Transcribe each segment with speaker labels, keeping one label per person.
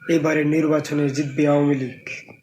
Speaker 1: এবারে নির্বাচনে জিতবে আওয়ামী লীগ।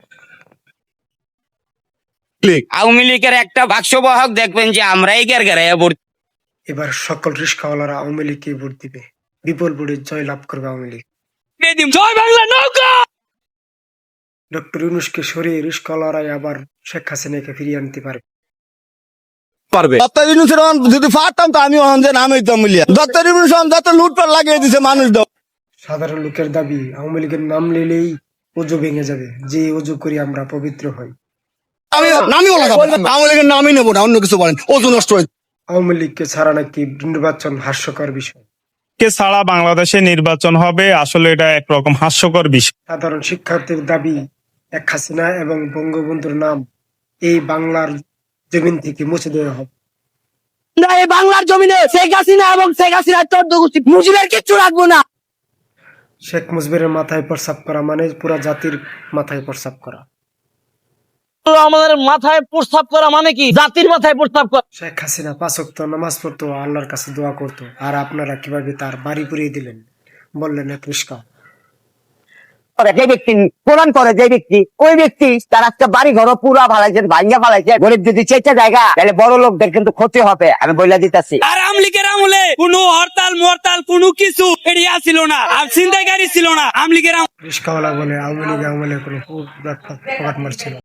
Speaker 2: আওয়ামী লীগের একটা বাক্সবাহক দেখবেন যে আমরাই গেরগেরাইয়া ভর্তি।
Speaker 1: এবার সকল রিস্কাওয়ালারা আওয়ামী লীগকে ভোট দিবে, বিপুল ভোটে জয় লাভ করবে আওয়ামী লীগ।
Speaker 2: জয় বাংলা নৌকা।
Speaker 1: ডক্টর ইউনূসকে সরিয়ে রিস্কাওয়ালারাই আবার শেখ হাসিনাকে ফিরিয়ে আনতে পারবে।
Speaker 3: ডক্টর ইউনূসের যদি পারতাম তো আমি যে নাম হইতাম মিলিয়া। ডক্টর ইউনূস যত লুটপাট লাগিয়ে দিছে মানুষ দাও।
Speaker 1: সাধারণ লোকের দাবি আওয়ামী লীগের নাম নিলেই অজু ভেঙে যাবে, যে অজু করি আমরা পবিত্র হই।
Speaker 3: আমি নামিও লাগাবো, আওয়ামী লীগের নামই নেবো না, অন্য কিছু বলেন, ওজন নষ্ট হয়েছে।
Speaker 1: আওয়ামী লীগকে ছাড়া নাকি নির্বাচন হাস্যকর বিষয়।
Speaker 4: কে ছাড়া বাংলাদেশে নির্বাচন হবে, আসলে এটা একরকম হাস্যকর বিষয়।
Speaker 1: সাধারণ শিক্ষার্থীর দাবি শেখ হাসিনা এবং বঙ্গবন্ধুর নাম এই বাংলার জমিন থেকে মুছে দেওয়া হবে।
Speaker 5: এই বাংলার জমিনে শেখ হাসিনা এবং শেখ হাসিনার চোদ্দগোষ্ঠী মুজিবের কিচ্ছু রাখবো না।
Speaker 1: শেখ মুজিবের মাথায় প্রস্রাব করা মানে পুরা জাতির মাথায় প্রস্রাব করা।
Speaker 5: আমাদের মাথায় প্রস্তাব করা মানে কি? জাতির মাথায় প্রস্তাব করা।
Speaker 1: শেখ হাসিনা 5 ওয়াক্ত নামাজ পড়তো, আল্লাহর কাছে দোয়া করতো, আর আপনারা কিভাবে তার বাড়ি পুড়িয়ে দিলেন, বললেন এক রিস্কা।
Speaker 5: যে ব্যক্তি কোরআন করে, যে ব্যক্তি, ওই ব্যক্তি তার একটা বাড়ি ঘর পুরা ফালাইছে, ভাঙ্গা ফালাইছে। গরিব যদি চেষ্টা জায়গা, তাহলে বড় লোকদের কিন্তু ক্ষতি হবে, আমি বলে দিতেছি।
Speaker 2: আর আওয়ামী লীগের আমলে কোনো হরতাল মরতাল কোনো কিছু এড়িয়া ছিল না, আর ছিনতাইকারী ছিল না আওয়ামী লীগের।
Speaker 1: রিস্কাওয়ালা বলে আওয়ামী লীগ আমলে কোনো মারছিল।